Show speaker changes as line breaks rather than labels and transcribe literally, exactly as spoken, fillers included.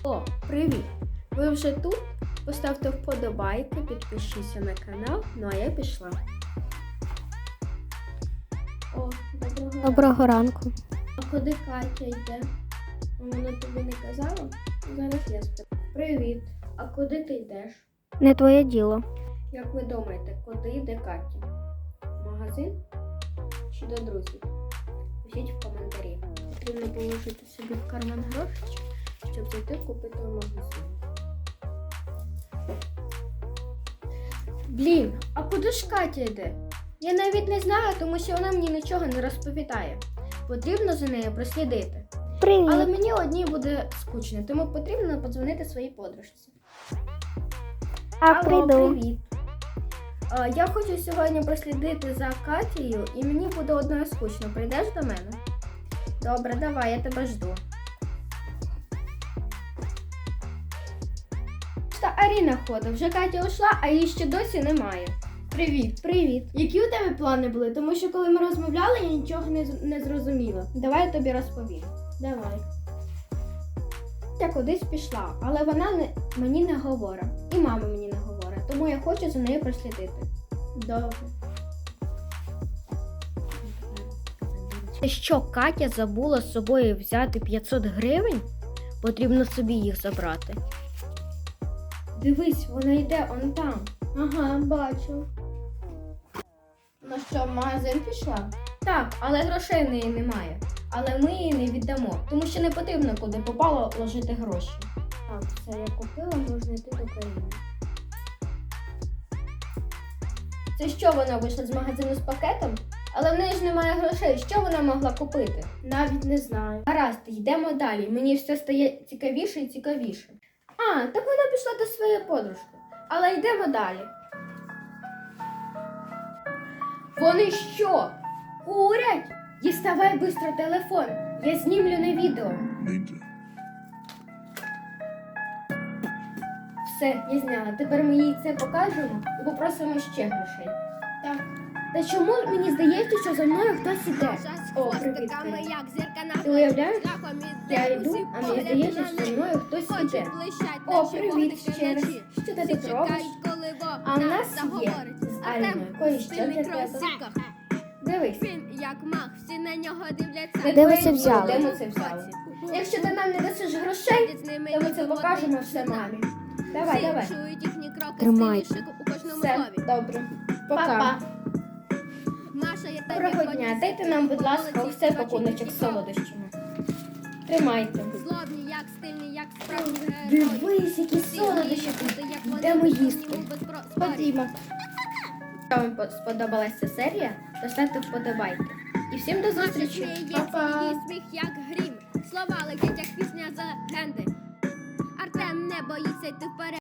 О, привіт! Ви вже тут? Поставте вподобайки, підпишіться на канал, ну а я пішла. О, доброго ранку.
Доброго ранку.
А куди Катя йде? Вона тобі не казала? Зараз я спитаю. Привіт! А куди ти йдеш?
Не твоє діло.
Як ви думаєте, куди йде Катя? В магазин чи до друзів? Пишіть в коментарі. Потрібно положити собі в карман гроші, щоб зайти купити в магазин. Блін, а куди ж Катя йде? Я навіть не знаю, тому що вона мені нічого не розповідає. Потрібно за нею прослідити.
Привіт.
Але мені одній буде скучно, тому потрібно подзвонити своїй подружці.
А,
Алло,
прийду.
привіт. А, я хочу сьогодні прослідити за Катєю, і мені буде одною скучно. Прийдеш до мене? Добре, давай, я тебе жду. Та Аріна ходить, вже Катя ушла, а її ще досі немає. Привіт. Привіт. Які у тебе плани були? Тому що коли ми розмовляли, я нічого не, з- не зрозуміла. Давай я тобі розповім. Давай. Я кудись пішла, але вона не, мені не говорить. І мама мені не говорить, тому я хочу за нею прослідити. Добре. Це що, Катя забула з собою взяти п'ятсот гривень? Потрібно собі їх забрати. Дивись, вона йде он там. Ага, бачу. Ну що, в магазин пішла? Так, але грошей в неї немає. Але ми її не віддамо, тому що не потрібно куди попало ложити гроші. Так, все я купила, можна йти до країни. Це що, вона вийшла з магазину з пакетом? Але в неї ж немає грошей. Що вона могла купити? Навіть не знаю. Гаразд, йдемо далі. Мені все стає цікавіше і цікавіше. А, так вона пішла до своєї подружки. Але йдемо далі. Вони що? Курять? Діставай швидко телефон. Я знімлю на відео. Все, я зняла. Тепер ми їй це покажемо і попросимо ще грошей. Так. Та чому мені здається, що за мною хтось іде? О, привіт, Катя. Ти уявляєш? Я йду, а мені здається, що за мною хтось іде. О, привіт ще раз. Що ти тут робиш? А в нас є з Аріною кое-що для тебе. Дивись.
Як мах, всі на нього дивляться.
Не
Де ви
твоє
це
діло,
взяли?
Де ми це взяли? Якщо ти нам не дасиш грошей, то ми це покажемо все мамі. Давай, давай.
Чують їхні кроки,
Тримайте.
стилішик у кожному
Все,
слові.
добре.
Пока.
Па-па.
Маша, я тобі
Доброго
хочу
дня. Дайте нам, будь ласка,
вулиці,
все
скочуть
пакуночок
і
з солодощами. Тримайте.
Злобні, як стильні, як справжні герої.
Дивись, які
Всі
солодощі.
мріють бути, як вони,
Йдемо
без
їсти.
сумніву, без про- спорів.
Ходімо. Якщо вам по- сподобалася ця серія, то ставте вподобайки. І всім до
Маша
зустрічі.
сміється,
Па-па.
її сміх, як грім. Слова летять, як пісня з легенди. Артем не боїться йти вперед.